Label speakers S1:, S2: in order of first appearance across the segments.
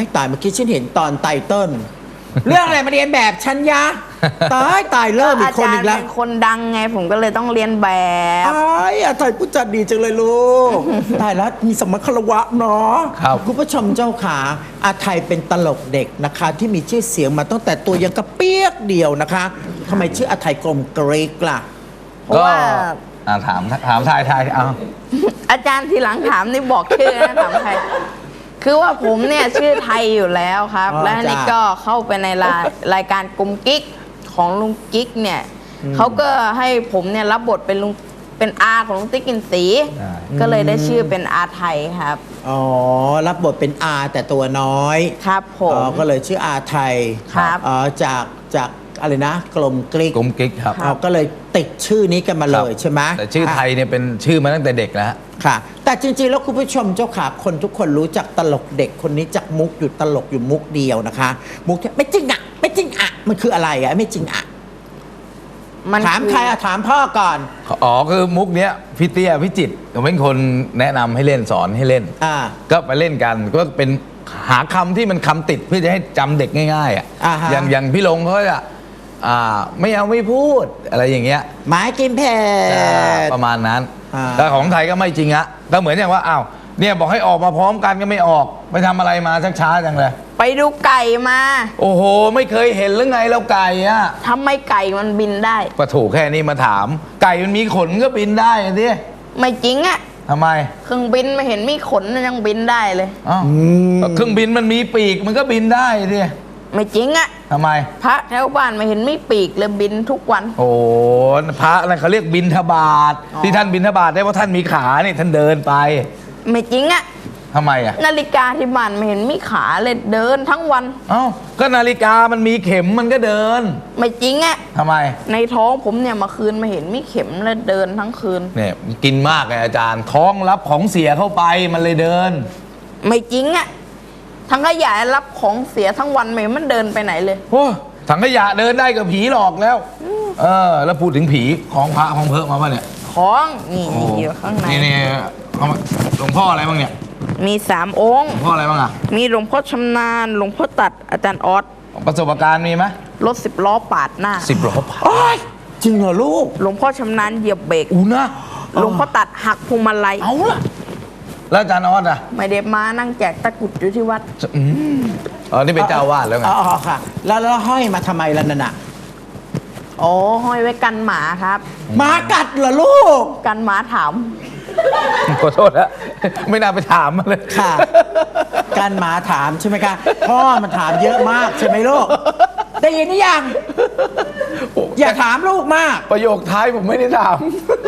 S1: ายเมื่อกี้ฉันเห็นตอนไตเติ้ลเรื่องอะไรมาเรียนแบบฉันยะตายเริ่มอีกคนอีกแล้ว
S2: เป็นคนดังไงผมก็เลยต้องเรียนแบบ
S1: อาไทยผู้จัดดีจังเลยลูกตายแล้วมีสมคารวะเนาะ
S3: ครับ
S1: คุณผู้ชมเจ้าขาอาไทยเป็นตลกเด็กนะคะที่มีชื่อเสียงมาตั้งแต่ตัวยังกระเปียกเดียวนะคะทำไมชื่ออาไทยกลมเกรกล่ะ
S3: ก็ถามทายเอา
S2: อาจารย์ทีหลังถามนี่บอกชื่อนะถามใครคือว่าผมเนี่ยชื่อไทยอยู่แล้วครับและนี่ก็เข้าไปในรายการกลุ่มกิ๊กของลุงกิ๊กเนี่ยเขาก็ให้ผมเนี่ยรับบทเป็นอาของลุงติ๊กกินสีก็เลยได้ชื่อเป็นอาไทยครับ
S1: อ๋อรับบทเป็นอาแต่ตัวน้อย
S2: ครับผม
S1: ก็เลยชื่ออาไทย
S2: ครับ
S1: จากอะไรนะกลมกลิก
S3: ครับ
S1: ก็เลยติดชื่อนี้กันมาเลยใช่ไหม
S3: แต่ชื่อไทยเนี่ยเป็นชื่อมาตั้งแต่เด็กแล้ว
S1: ค่ะแต่จริงๆแล้วคุณผู้ชมเจ้าขาคนทุกคนรู้จักตลกเด็กคนนี้จากมุกอยู่ตลกอยู่มุกเดียวนะคะมุกที่ไม่จริงอ่ะไม่จริงอ่ะมันคืออะไรอ่ะไม่จริงอ่ะถามใครอ่ะถามพ่อก่อน
S3: คือมุกเนี้ยพี่เตี้ยพี่จิตรเขาเป็นคนแนะนำให้เล่นสอนให้เล่นก็ไปเล่นกันก็เป็นหาคำที่มันคำติดเพื่อจะให้จำเด็กง่ายๆอ่ะอย่างพี่ลงเขาจะไม่เอาไม่พูดอะไรอย่างเงี้ย
S1: หมายกินเผ็ด
S3: ประมาณนั้นแต่ของไทยก็ไม่จริงอะก็เหมือนอย่างว่าอ้าวเนี่ยบอกให้ออกมาพร้อมกันก็ไม่ออกไปทำอะไรมาช้าจังเลย
S2: ไปดูไก่มา
S3: โอ้โหไม่เคยเห็นหรือไงแล้วไก่อะ
S2: ทำไมไก่มันบินได้
S3: ก็ถูกแค่นี้มาถามไก่มันมีขนก็บินได้สิ
S2: ไม่จริงอะ
S3: ทำไม
S2: เครื่องบินไม่เห็นมีขนยังบินได้เลย
S3: เครื่องบินมันมีปีกมันก็บินได้สิ
S2: ไม่จริงอะ
S3: ทำไม
S2: พระแถวบ้านไม่เห็นไม่ปีกเลยบินทุกวัน
S3: โอ้พระอะไรเขาเรียกบินทบาทที่ท่านบินทบาทได้เพราะท่านมีขาเนี่ยท่านเดินไป
S2: ไม่จริงอะ
S3: ทำไมอะ
S2: นาฬิกาที่บ้านไม่เห็นมีขาเลยเดินทั้งวัน
S3: ก็นาฬิกามันมีเข็มมันก็เดิน
S2: ไม่จริงอะ
S3: ทำไม
S2: ในท้องผมเนี่ยมาคืนมาเห็นมีเข็มเลยเดินทั้งคืน
S3: เนี่ยกินมากเลยอาจารย์ท้องรับของเสียเข้าไปมันเลยเดิน
S2: ไม่จริงอะถังขยะรับของเสียทั้งวันไม่มันเดินไปไหนเลย
S3: โอ้ถังขยะเดินได้กับผีหลอกแล้วแล้วพูดถึงผีของพระของเพิ่มมาป่ะเนี่ย
S2: ของนี่อยู่ข้างใน
S3: นี่หลวงพ่ออะไรบ้างเนี่ย
S2: มี3 องค์
S3: หลวงพ่ออะไรบ้างอะ
S2: มีหลวงพ่อชำนาญหลวงพ่อตัดอาจารย์ออส
S3: ประสบการณ์มีไหม
S2: รถ10 ล้อปาดหน้า
S3: 10 ล้อปาด
S1: จริงเหรอลูก
S2: หลวงพ่อชำนาญเหยียบเบรก
S3: นะ
S2: หลวงพ่อตัดหักพวงมาลัย
S3: เอาล่ะแล้วอาจารย์ออสอะ
S2: ไม่ได้มานั่งแจกตะกุดอยู่ที่วัด
S3: นี่เป็นเจ้าวาดแล้วไง
S1: ค่ะแล้วห้อยมาทำไมล่ะนั่นน่ะ
S2: ห้อยไว้กันหมาครับ
S1: หมากัดเหรอลูก
S2: กันหมาถาม
S3: ขอโทษนะไม่น่าไปถามมาเลย
S1: ค่ะการหมาถามใช่ไหมคะพ่อมันถามเยอะมากใช่ไหมลูกได้ยินหรือยังอย่าถามลูกมาก
S3: ประโยคท้ายผมไม่ได้ถาม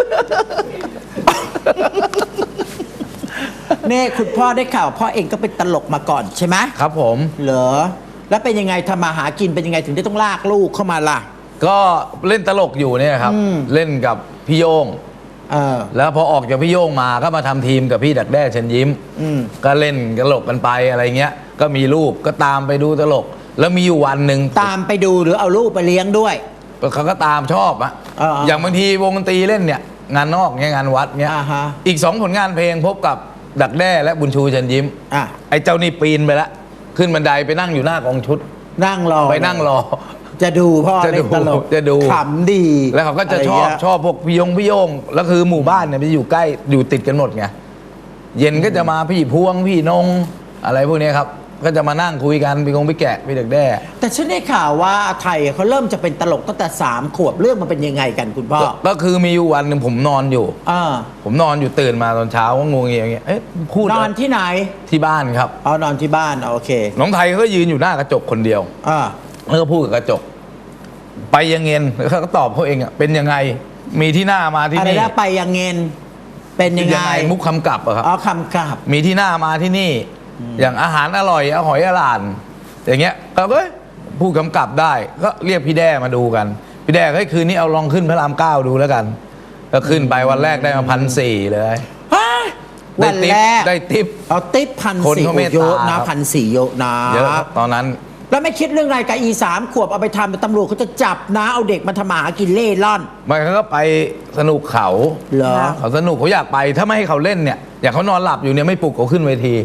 S1: นี่คุณพ่อได้ข่าวพ่อเองก็เป็นตลกมาก่อนใช่ไหม
S3: ครับผม
S1: เหรอแล้วเป็นยังไงทำมาหากินเป็นยังไงถึงได้ต้องลากลูกเข้ามาล่ะ
S3: ก็เล่นตลกอยู่เนี่ยครับเล่นกับพี่โย่งแล้วพอออกจากพี่โย่งมาก็มาทำทีมกับพี่ดักแด้เชิญยิ้มก็เล่นตลกกันไปอะไรเงี้ยก็มีลูกก็ตามไปดูตลกแล้วมีอยู่วันหนึ่ง
S1: ตามไปดูหรือเอาลูกไปเลี้ยงด้วย
S3: เขาก็ตามชอบอะอย่างบางทีวงดนตรีเล่นเนี่ยงานนอกเนี่ยงานวัดเนี่ยอีก2 ผลงานเพลงพบกับดักแด้และบุญชูเชิญยิ้มไอ้เจ้านี่ปีนไปแล้วขึ้นบันไดไปนั่งอยู่หน้ากองชุด
S1: นั่งรอ
S3: ไปนั่งรอ
S1: จะดูพ่อเล่นตลก
S3: จะดู
S1: ขำดี
S3: แล้วเขาก็จะชอบพวกพี่โยงแล้วคือหมู่บ้านเนี่ยมันอยู่ใกล้อยู่ติดกันหมดไงเย็นก็จะมาพี่พวงพี่นงอะไรพวกนี้ครับก็จะมานั่งคุยกันพี่แกะพี่ดักแด้
S1: แต่ฉันได้ข่าวว่าไทยเขาเริ่มจะเป็นตลกตั้งแต่3 ขวบเรื่องมันเป็นยังไงกันคุณพ่อ
S3: ก็คือมีอยู่วันหนึ่งผมนอนอยู่ผมนอนอยู่ตื่นมาตอนเช้าก็งงอย่างเงี้ยพูด
S1: นอนที่ไหน
S3: ที่บ้านครับ
S1: นอนที่บ้านโอเค
S3: น้องไทยเขาก็ยืนอยู่หน้ากระจกคนเดียวแล้วก็พูดกับกระจกไปยังเงินเขาก็ตอบเขาเองอ่ะเป็นยังไงมีที่หน้ามาที่นี่
S1: อะไรนะไปยังเงินเป็นยังไง
S3: มุกคำกลับอะครับ
S1: คำกลับ
S3: มีที่หน้ามาที่นี่อย่างอาหารอร่อยหอยอร่านอย่างเงี้ยเราก็พูดกำกับได้ก็เรียกพี่แด้มาดูกันพี่แด้คืนนี้เอาลองขึ้นพระราม9ดูแล้วกันก็ขึ้นไปวันแรกได้มา1,400เลย
S1: วันแรก
S3: ได้ทิป
S1: เอาทิป1,400เยอะนะ1,400เยอะนะ
S3: เยอะตอนนั้น
S1: แล้วไม่คิดเรื่องอะไรกับ3 ขวบเอาไปทำตำรวจเขาจะจับนะเอาเด็กมาทำหากินเล่ร่อน
S3: มันก็ไปสนุกเขา
S1: เหรอ
S3: เขาสนุกเขาอยากไปถ้าไม่ให้เขาเล่นเนี่ยอย่างเขานอนหลับอยู่เนี่ยไม่ปลุกเขาขึ้นเวที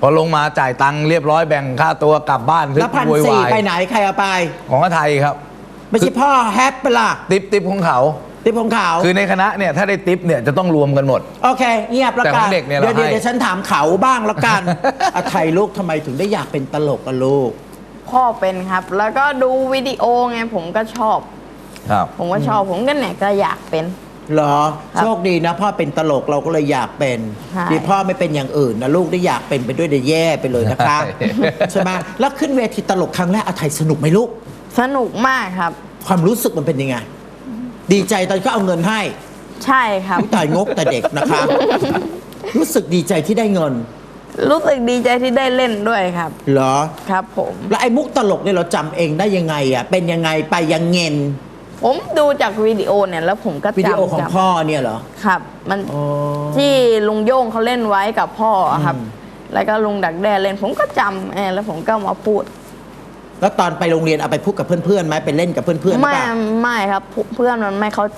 S3: พอลงมาจ่ายตังค์เรียบร้อยแบ่งค่าตัวกลับบ้าน
S1: แล้ว1,400ไปไหนใครเอาไป
S3: ของอาไทยครับ
S1: ไม่ใช่พ่อแฮปเปล่า
S3: ติปของเขา
S1: ติปของเขา
S3: คือในคณะเนี่ยถ้าได้ติปเนี่ยจะต้องรวมกันหมด
S1: โอเคเงียบแล้ว
S3: แต่ข
S1: กั
S3: อน งเด็กเนี่ยเรา
S1: เดี๋ยว
S3: ให้
S1: เดี๋ยวฉันถามเขาบ้างแล้วกัน อาไทยลูกทำไมถึงได้อยากเป็นตลกอะลูก
S2: พ่อเป็นครับ แล้วก็ดูวิดีโอไงผมก็ชอบ
S3: ครับ
S2: ผมก็ชอบผมก็เนี่ยก็อยากเป็น
S1: เหรอ
S2: ครับ
S1: โชคดีนะพ่อเป็นตลกเราก็เลยอยากเป็น
S2: ใช่
S1: ดีพ่อไม่เป็นอย่างอื่นนะลูกได้อยากเป็นไปด้วยเดี๋ยวแย่ไปเลยนะคะ
S3: ใช่
S1: ใช่ไหมแล้วขึ้นเวทีตลกครั้งแรกอาไทยสนุกไหมลูก
S2: สนุกมากครับ
S1: ความรู้สึกมันเป็นยังไง ดีใจตอนก็เอาเงินให้
S2: ใช่ครับ
S1: อุ๊ยตายงกแต่เด็กนะคะ รู้สึกดีใจที่ได้เงิน
S2: รู้สึกดีใจที่ได้เล่นด้วยครับ
S1: เหรอ
S2: ครับผม
S1: แล้วไอ้มุกตลกเนี่ยเราจำเองได้ยังไงอ่ะเป็นยังไงไปยังเงิน
S2: ผมดูจากวิดีโอเนี่ยแล้วผมก็
S1: วิดีโอของ
S2: จำ
S1: พ่อเนี่ยเหรอ
S2: ครับ มัน
S1: อ๋อ
S2: ที่ลุงโย่งเขาเล่นไว้กับพ่ออะครับ
S1: อืม
S2: แล้วก็ลุงดักแด้เล่นผมก็จำแล้วผมก็มาพูด
S1: แล้วตอนไปโรงเรียนเอาไปพูดกับเพื่อนๆไหมไปเล่นกับเพื่อนๆหรือ
S2: ไม่
S1: เปล่า
S2: ไม่ครับเพื่อนมันไม่เข้าใจ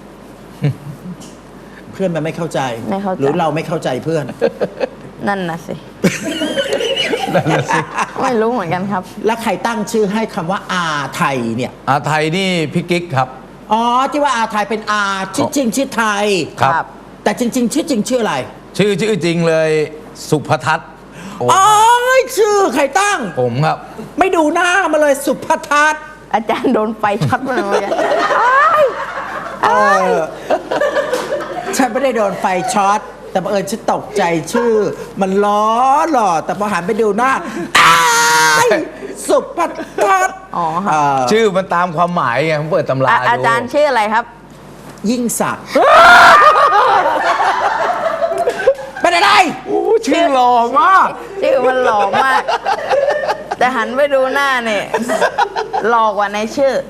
S1: เพื่อนมันไม่เข้าใจ
S2: ไม่เข้าใจ
S1: หรือเราไม่เข้าใจเพื่อน
S2: นั่นนะสิ
S3: นั่นน่ะสิ
S2: ไม่รู้เหมือนกันครับ
S1: แล้วใครตั้งชื่อให้คำว่าอาไทยเนี่ย
S3: อาไทยนี่พี่กิ๊กครับ
S1: อ๋อที่ว่าอาไทยเป็นอาชื่อจริงชื่อไทย
S3: ครับ
S1: แต่จริง ๆ ชื่อจริงชื่ออะไร
S3: ชื่อจริงเลยสุภทัศน์โอ้
S1: อ๋อชื่อใครตั้ง
S3: ผมครับ
S1: ไม่ดูหน้ามาเลยสุภทัศน์
S2: อาจารย์โดนไฟช็อตมาเหมือนกัน
S1: เออฉันไม่ได้โดนไฟช็อตแต่บังเอิญฉันตกใจชื่อ มันล้อหล่อแต่พอหันไปดูหน้าอ้ายสุภทัศน์
S2: อ๋อครับ
S1: เออ
S3: ชื่อมันตามความหมายไงผมเปิดตำราดู
S2: อาจารย์ชื่ออะไรครับ
S1: ยิ่งศักดิ์เป็นอะไร
S3: ชื่อหล่อมาก
S2: ชื่อมันหล่อมาก แต่หันไปดูหน้าเนี่ยหล่อกว่าในชื่อ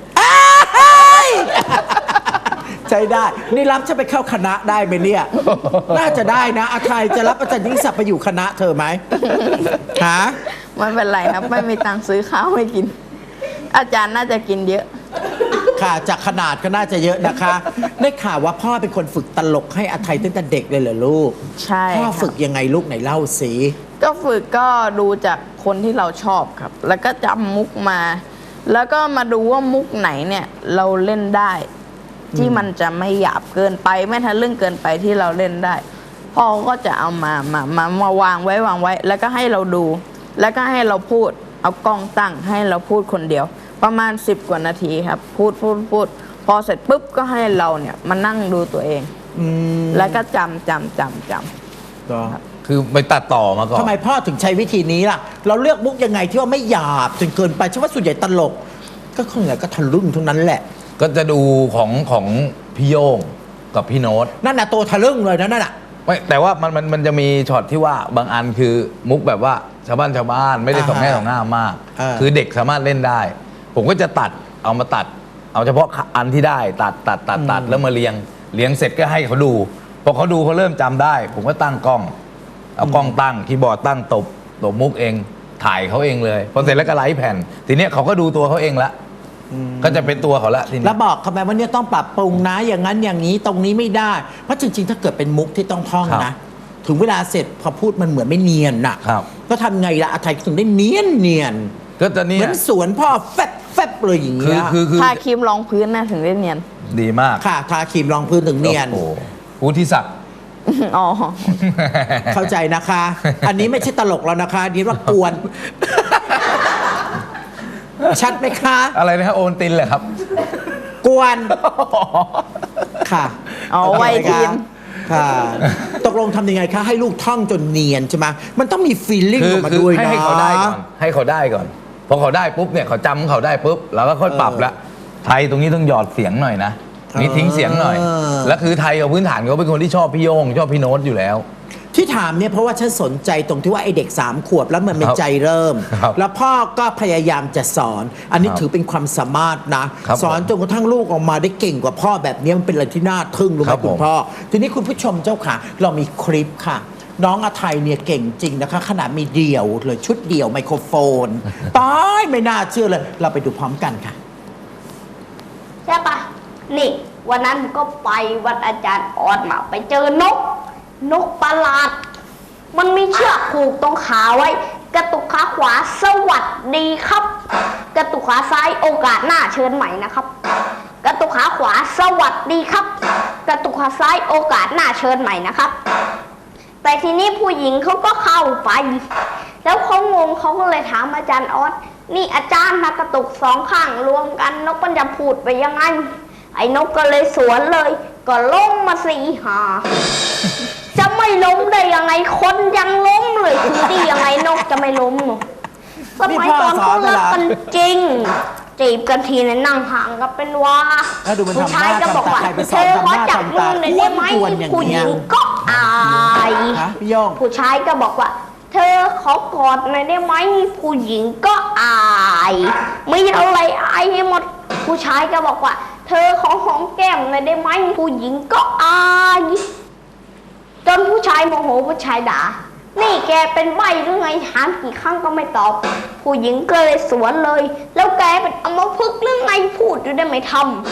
S1: ใช้ได้ นี่รับจะไปเข้าคณะได้ไหมเนี่ย น่าจะได้นะอาไทยจะรับอาจารย์ยิ่งศักดิ์ไปอยู่คณะเธอไหมฮะ
S2: ไม่เป็นไรครับ ไม่มีตังค์ซื้อข้าวให้กิน อาจารย์น่าจะกินเยอะ
S1: ค่ะจากขนาดก็น่าจะเยอะนะคะ ได้ข่าวว่าพ่อเป็นคนฝึกตลกให้อาไทยตั้งแต่เด็กเลยเหรอลูก
S2: ใช่
S1: พ่อ
S2: ครับ
S1: ฝึกยังไงลูกไหนเล่าสิ
S2: ก็ฝึกก็ดูจากคนที่เราชอบครับ แล้วก็จำมุกมา แล้วก็มาดูว่ามุกไหนเนี่ยเราเล่นได้ ที่มันจะไม่หยาบเกินไปไม่ทะลึ่งเกินไปที่เราเล่นได้พ่อก็จะเอามาวางไว้ แล้วก็ให้เราดู แล้วก็ให้เราพูดเอากล้องตั้งให้เราพูดคนเดียว ประมาณ10 กว่านาทีครับ พูดพอเสร็จปุ๊บก็ให้เราเนี่ยมานั่งดูตัวเอง
S1: อืม
S2: แล้วก็จำ
S1: ก็
S3: คือไปตัดต่อมาก่อน
S1: ทำไมพ่อถึงใช้วิธีนี้ล่ะ เราเลือกมุกยังไงที่ว่าไม่หยาบจนเกินไปฉันว่าส่วนใหญ่ตลก ก็คนไหนก็ทะลึ่งทั้งนั้นแหละ
S3: ก็จะดูของพี่โย่งกับพี่โน้ต
S1: นั่นน่ะตัวทะลึ่งเลยนะนั่นน่ะ
S3: ไม่แต่ว่ามันจะมีช็อตที่ว่าบางอันคือมุกแบบว่าชาวบ้านไม่ได้ส่งแง่ส่งหน้ามาก คือเด็กสามารถเล่นได้ ผมก็จะตัดเอาเฉพาะอันที่ได้ตัดแล้วมาเรียงเสร็จก็ให้เขาดูพอเขาดูเขาเริ่มจำได้ ผมก็ตั้งกล้องเอากล้องตั้งคีย์บอร์ดตั้งตบมุกเองถ่ายเขาเองเลยพอเสร็จแล้วก็ไลฟ์แผ่นทีเนี้ยเขาก็ดูตัวเขาเองละก็จะเป็นตัวเขาละทีนี้
S1: แล้วบอกทำไมว่าเนี่ยต้องปรับปรุงนะอย่างนั้นอย่างนี้ตรงนี้ไม่ได้ เพราะจริงๆ ถ้าเกิดเป็นมุกที่ต้องท่อง
S3: ครั
S1: นะ
S3: บ
S1: ถึงเวลาเสร็จพอพูดมันเหมือนไม่เนียนน่ะ
S3: ครับ
S1: ก็ทำไงล่ะอาไทยถึงได้เนียน
S3: ก็จะ
S1: เห
S3: เนี่
S1: มื
S3: ย
S1: อนสวนพ่อแฟบเลยอย่าง
S3: คื
S1: เงี้
S3: อย คือ
S2: ทาครีมรองพื้นน่าถึงได้เนียน
S3: ดีมาก
S1: ค่ะทาครีมรองพื้นถึงเนียน
S3: โอ้โหผู้ที่ศักดิ์
S2: อ๋อ
S1: เข้าใจนะคะ อันนี้ไม่ใช่ตลกแล้วนะคะอันนี้ว่ากวน ชัดไหมคะ
S3: อะไรนะฮะโอนตินเหรอครับ
S1: กวนค่ะ
S2: อ๋อ
S1: โเค
S2: ไวทีม
S1: ค่ะ ตกลงทำยังไงคะ ให้ลูกท่องจนเนียนใช่ไหมมันต้องมีฟีลลิ่งออกมาด้วยนะ
S3: ให้เขาได้ก่อนพอเขาได้ปุ๊บเนี่ยเขาจำเขาได้ปุ๊บเราก็ค่อยปรับละไทยตรงนี้ต้องหยอดเสียงหน่อยนะนี่ทิ้งเสียงหน่อย แล้วคือไทยกับพื้นฐานเขาเป็นคนที่ชอบพี่โยงชอบพี่โน้ตอยู่แล้ว
S1: ที่ถามเนี่ยเพราะว่าฉันสนใจตรงที่ว่าไอเด็ก3 ขวบแล้วมันเป็นใจเริ่ม
S3: ครับ
S1: แล้วพ่อก็พยายามจะสอน อันนี้
S3: ครับ
S1: ถือเป็นความสามารถนะ
S3: ครับ
S1: สอนจนกระทั่งลูกออกมาได้เก่งกว่าพ่อแบบนี้มันเป็นอะไรที่น่าทึ่งรู้ไห
S3: ค
S1: ม
S3: รับ
S1: คุณ
S3: ผม
S1: พ่อ ทีนี้คุณผู้ชมเจ้าค่ะ เรามีคลิปค่ะ น้องอาไทยเนี่ยเก่งจริงนะคะ ขนาดมีเดี่ยวเลยชุดเดี่ยวไมโครโฟน ตายไม่น่าเชื่อเลย เราไปดูพร้อมกันค่ะ
S4: ใช่ปะนี่ วันนั้นก็ไปวัดอาจารย์ออดมา ไปเจอนกประหลาดมันมีเชือกผูกตรงขาไว้ กระตุกขาขวาสวัสดีครับ กระตุกขาซ้ายโอกาสหน้าเชิญใหม่นะครับ กระตุกขาขวาสวัสดีครับ กระตุกขาซ้ายโอกาสหน้าเชิญใหม่นะครับ แต่ทีนี้ผู้หญิงเขาก็เข้าไป แล้วเขางงเขาก็เลยถามอาจารย์ออสนี่อาจารย์นะกระตุกสองข้างรวมกันนกมันจะพูดไปยังไงไอ้นกก็เลยสวนเลยก็ล้มมาสี่หา จะไม่ล้มได้ยังไงคนยังล้มเลยคือดียังไงนกจะไม่ล้มหนูสมัยก่อนเขารักกันจริงจีบกันทีเนี่ยนั่งห่างกันเป็นว่าผู้ชายก็บอกว่าเธอขอจับมือหน่อยได้ไหมผู้หญิงก็อายผู้ชายก็บอกว่าเธอขอกอดหน่อยได้ไหมผู้หญิงก็อายไม่อะไรอายให้หมดผู้ชายก็บอกว่าเธอขอหอมแก้มหน่อยได้ไหมผู้หญิงก็อายจนผู้ชายโมโหผู้ชายด่านี่แกเป็นใบ้หรือไงถามกี่ครั้งก็ไม่ตอบผู้หญิงก็เลยสวนเลยแล้วแกเป็นอัมพฤกษ์หรือไงพูดอยู่ได้ไม่ท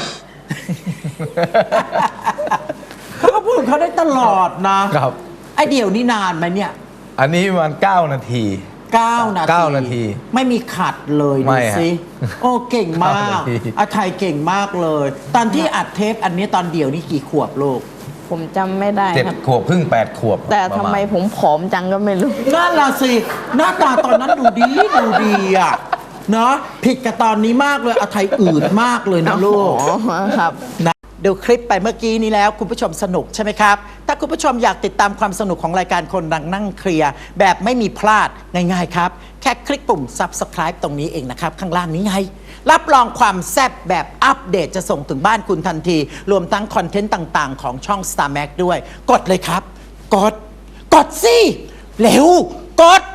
S1: ำเขาก็พูดเขาได้ตลอดนะครับไอเดี่ยวนี่นานไหมเนี่ย
S3: อันนี้ประมาณ9 นาที
S1: 9 นาทีไม่มีขัดเลยดูสิโอ้เก่งมากอาไทยเก่งมากเลยตอนที่อัดเทปอันนี้ตอนเดี่ยวนี่กี่ขวบลูก
S2: ผมจำไม่ได้ครับ
S3: 7 ขวบครึ่ง8 ขวบ
S2: แต่ทำไมผมผอมจังก็ไม่รู้
S1: นั่นล่ะสิหน้าตาตอนนั้นดูดีอ่ะเนาะผิดกับตอนนี้มากเลยอาไทยอืดมากเลยนะลูก
S2: ครับ
S1: นะดูคลิปไปเมื่อกี้นี้แล้วคุณผู้ชมสนุกใช่ไหมครับถ้าคุณผู้ชมอยากติดตามความสนุกของรายการคนดังนั่งเคลียร์แบบไม่มีพลาดง่ายๆครับแค่คลิกปุ่ม Subscribe ตรงนี้เองนะครับข้างล่างนี้ไงรับรองความแซ่บแบบอัปเดตจะส่งถึงบ้านคุณทันทีรวมทั้งคอนเทนต์ต่างๆของช่อง Star Max ด้วยกดเลยครับกดสิเร็วกด